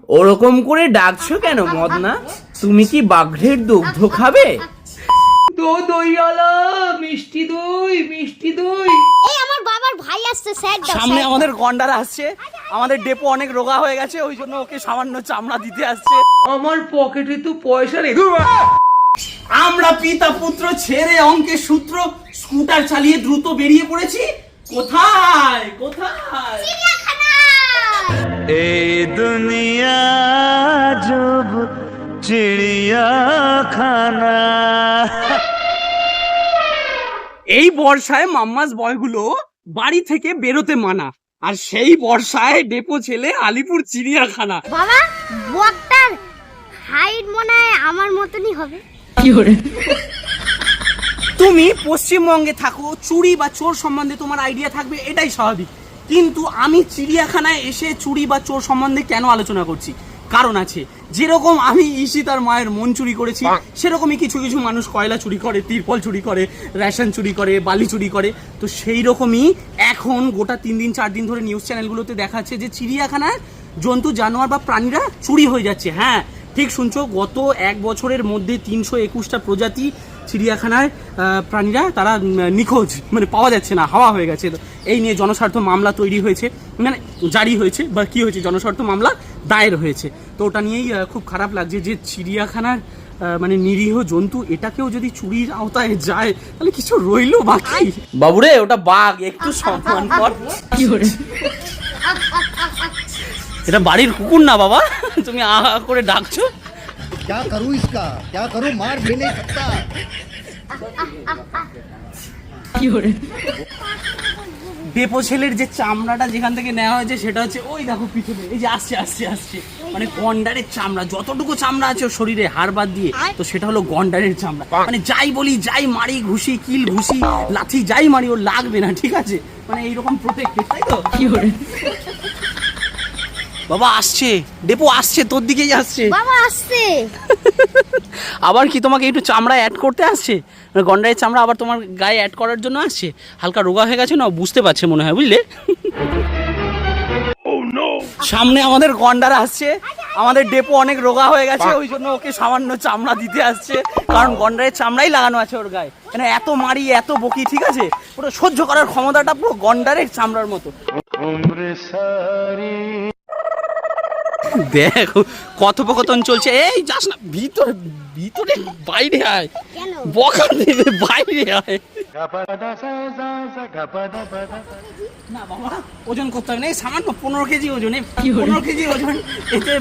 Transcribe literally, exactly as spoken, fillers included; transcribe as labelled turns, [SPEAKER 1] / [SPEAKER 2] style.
[SPEAKER 1] ওরকম করে ডাকছো কেন মদনা? তুমি কি বাঘের দুগ্ধ খাবে? দো দইওয়ালা, মিষ্টি দই, মিষ্টি দই।
[SPEAKER 2] এই আমার বাবার ভাই আসছে, স্যার দাও।
[SPEAKER 1] সামনে আমাদের গন্ডার আসছে, আমাদের ডেপো অনেক রোগা হয়ে গেছে, ওই জন্য ওকে সামান্য চামড়া দিতে আসছে। আমার পকেটে তো পয়সা নেই। আমরা পিতা পুত্র ছেড়ে অঙ্কের সূত্র স্কুটার চালিয়ে দ্রুত বেরিয়ে পড়েছি। কোথায় কোথায়?
[SPEAKER 3] এই দুনিয়া জব চিড়িয়াখানা।
[SPEAKER 1] এই বর্ষায় মাম্মাস বয়গুলো বাড়ি থেকে বেরোতে মানা, আর সেই বর্ষায় ডেপো ছেলে আলিপুর চিড়িয়াখানা।
[SPEAKER 2] বাবা বকটার হাইট মনে হয় আমার মতনই হবে।
[SPEAKER 1] তুমি পশ্চিমবঙ্গে থাকো, চুরি বা চোর সম্বন্ধে তোমার আইডিয়া থাকবে, এটাই স্বাভাবিক। কিন্তু আমি চিড়িয়াখানায় এসে চুরি বা চোর সম্বন্ধে কেন আলোচনা করছি? কারণ আছে। যেরকম আমি ঈশিতার মায়ের মন চুরি করেছি, সেরকমই কিছু কিছু মানুষ কয়লা চুরি করে, তিরপল চুরি করে, রেশন চুরি করে, বালি চুরি করে। তো সেই রকমই এখন গোটা তিন দিন চার দিন ধরে নিউজ চ্যানেলগুলোতে দেখাচ্ছে যে চিড়িয়াখানার জন্তু জানোয়ার বা প্রাণীরা চুরি হয়ে যাচ্ছে। হ্যাঁ, ঠিক শুনছো, গত এক বছরের মধ্যে তিনশো একুশটা প্রজাতি চিড়িয়াখানায় প্রাণীরা তারা নিখোঁজ, মানে পাওয়া যাচ্ছে না, হাওয়া হয়ে গেছে। এই নিয়ে জনস্বার্থ মামলা তৈরি হয়েছে, মানে জারি হয়েছে বা কি হয়েছে, জনস্বার্থ মামলা দায়ের হয়েছে। তো ওটা নিয়েই খুব খারাপ লাগছে যে চিড়িয়াখানার মানে নিরীহ জন্তু এটাকেও যদি চুরির আওতায় যায় তাহলে কিছু রইলো বাকি। বাবুরে, ওটা বাঘ, একটু সম্মান কর। কি করে, এটা বাড়ির কুকুর না বাবা, তুমি আ করে ডাকছো।
[SPEAKER 4] क्या करूं इसका, क्या करूं, मार भी नहीं सकता।
[SPEAKER 1] ডেপো ছেলের যে চামড়াটা যেখান থেকে নেওয়া হয়েছে সেটা হচ্ছে ওই দেখো পিছনে, এই যে আসছে আসছে আসছে মানে গন্ডারের চামড়া। যতটুকু চামড়া আছে ওর শরীরে হাড় বাদ দিয়ে, তো সেটা হলো গন্ডারের চামড়া। মানে যাই বলি, যাই মারি, ঘুষি, কিল ঘুষি, লাথি যাই মারি, ওর লাগবে না, ঠিক আছে? মানে এইরকম প্রোটেক্টেড, তাই তো? কি করে বাবা আসছে, ডেপো আসছে, তোর দিকেই আসছে।
[SPEAKER 2] বাবা আসছে
[SPEAKER 1] আবার কি তোমাকে একটু চামড়া অ্যাড করতে আসছে? মানে গন্ডারের চামড়া আবার তোমার গায়ে অ্যাড করার জন্য আসছে? হালকা রোগা হয়ে গেছে না, বুঝতে পারছে মনে হয়, বুঝলে? সামনে আমাদের গন্ডার আসছে, আমাদের ডেপো অনেক রোগা হয়ে গেছে, ওই জন্য ওকে সামান্য চামড়া দিতে আসছে। কারণ গন্ডারের চামড়াই লাগানো আছে ওর গায়ে। মানে এত মারি, এত বকি, ঠিক আছে, পুরো সহ্য করার ক্ষমতাটা পুরো গন্ডারের চামড়ার মতো। দেখো কথোপকথন চলছে। এই যাস না ভিতরে, ভিতরে বাইরে আয়, বকা দেবে, বাইরে আয়। না বাবা, ওজন করতে হবে না, এই সামান্য পনেরো কেজি ওজন, পনেরো কেজি ওজন, এতে